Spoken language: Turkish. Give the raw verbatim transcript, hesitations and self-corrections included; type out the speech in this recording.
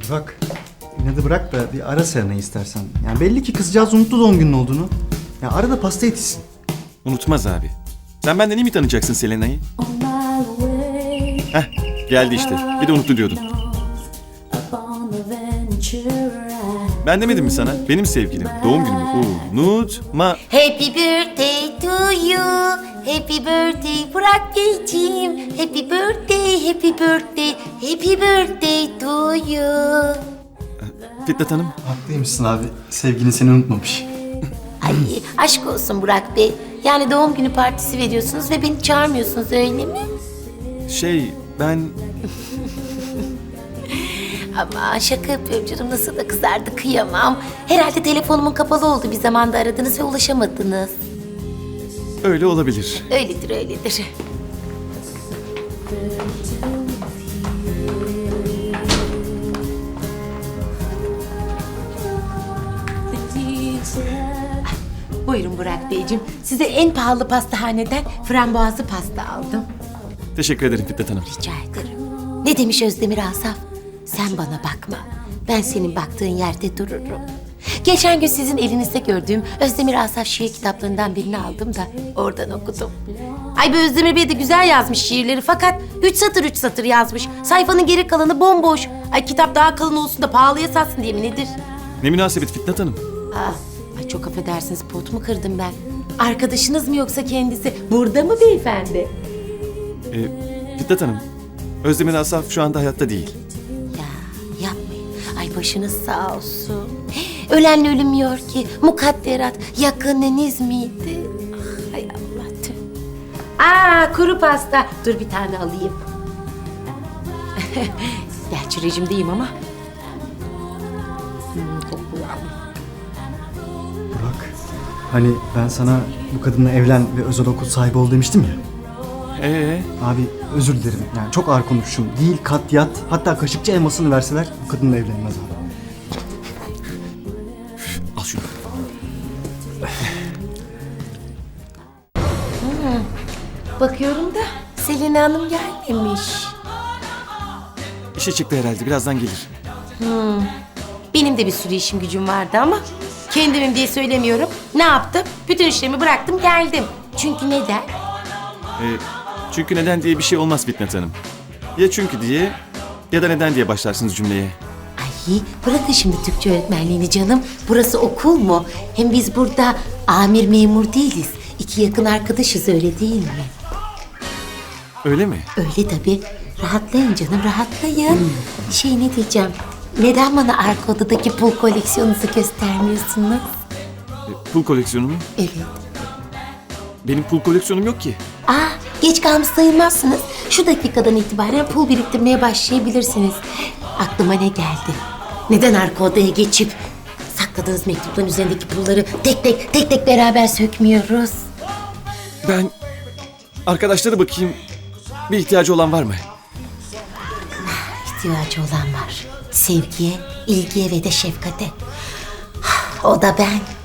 Bak, inadı bırak da bir ara Serena'yı istersen. Yani belli ki kızcağız unuttu doğum günün olduğunu. Ya ara da pasta yetişsin. Unutmaz abi. Sen benden iyi mi tanıyacaksın Selena'yı? Heh, geldi işte. Bir de unuttu diyordun. Ben demedim mi sana? Benim sevgilim. Doğum günümü unutma. Happy birthday to you. Happy birthday Burak Beyciğim. Happy birthday, happy birthday, happy birthday to you. Fitnat Hanım. Haklıymışsın abi. Sevgilin seni unutmamış. Ay aşk olsun Burak Bey. Yani doğum günü partisi veriyorsunuz ve beni çağırmıyorsunuz öyle mi? Şey, ben... Ama şaka yapıyorum canım, nasıl da kızardı kıyamam. Herhalde telefonumun kapalı oldu, bir zamanda aradınız ve ulaşamadınız. Öyle olabilir. Öyledir öyledir. Buyurun Burak Beyciğim. Size en pahalı pastahaneden frambuazlı pasta aldım. Teşekkür ederim Fitnat Hanım. Rica ederim. Ne demiş Özdemir Asaf? Sen bana bakma. Ben senin baktığın yerde dururum. Geçen gün sizin elinizde gördüğüm Özdemir Asaf şiir kitaplarından birini aldım da oradan okudum. Ay be, Özdemir Bey de güzel yazmış şiirleri fakat üç satır üç satır yazmış. Sayfanın geri kalanı bomboş. Ay kitap daha kalın olsun da pahalıya satsın diye mi nedir? Ne münasebet Fitnat Hanım. Aa, ay çok affedersiniz, pot mu kırdım ben? Arkadaşınız mı yoksa kendisi? Burada mı beyefendi? Ee, Fitnat Hanım, Özdemir Asaf şu anda hayatta değil. Ya yapmayın. Ay başınız sağ olsun. Ölenle ölünmüyor ki. Mukadderat yakınınız mıydı? Ah, hay Allah tüh. Aa, kuru pasta. Dur bir tane alayım. Gerçi rejimdeyim ama. Hmm, kokuyor. Burak, hani ben sana bu kadınla evlen ve özel okul sahibi ol demiştim ya. Ee, Abi özür dilerim. Yani çok ağır konuşmuşum. Değil kat yat. Hatta kaşıkçı elmasını verseler bu kadınla evlenmez abi. al şunu. Bakıyorum da Selin Hanım gelmemiş. İşe çıktı herhalde, birazdan gelir. Benim de bir sürü işim gücüm vardı ama kendimim diye söylemiyorum. Ne yaptım? Bütün işlerimi bıraktım geldim. Çünkü neden? Ee, çünkü neden diye bir şey olmaz Fitnat Hanım. Ya çünkü diye ya da neden diye başlarsınız cümleye. Ay bırakın şimdi Türkçe öğretmenliğini canım. Burası okul mu? Hem biz burada amir memur değiliz. İki yakın arkadaşız, öyle değil mi? Öyle mi? Öyle tabii. Rahatlayın canım, rahatlayın. Şey ne diyeceğim? Neden bana arka odadaki pul koleksiyonunuzu göstermiyorsunuz? Ee, pul koleksiyonu mu? Evet. Benim pul koleksiyonum yok ki. Aa, geç kalmış sayılmazsınız. Şu dakikadan itibaren pul biriktirmeye başlayabilirsiniz. Aklıma ne geldi? Neden arka odaya geçip sakladığınız mektupların üzerindeki pulları tek tek tek tek beraber sökmüyoruz? Ben arkadaşlara bakayım, bir ihtiyacı olan var mı? İhtiyacı olan var. Sevgiye, ilgiye ve de şefkate. O da ben.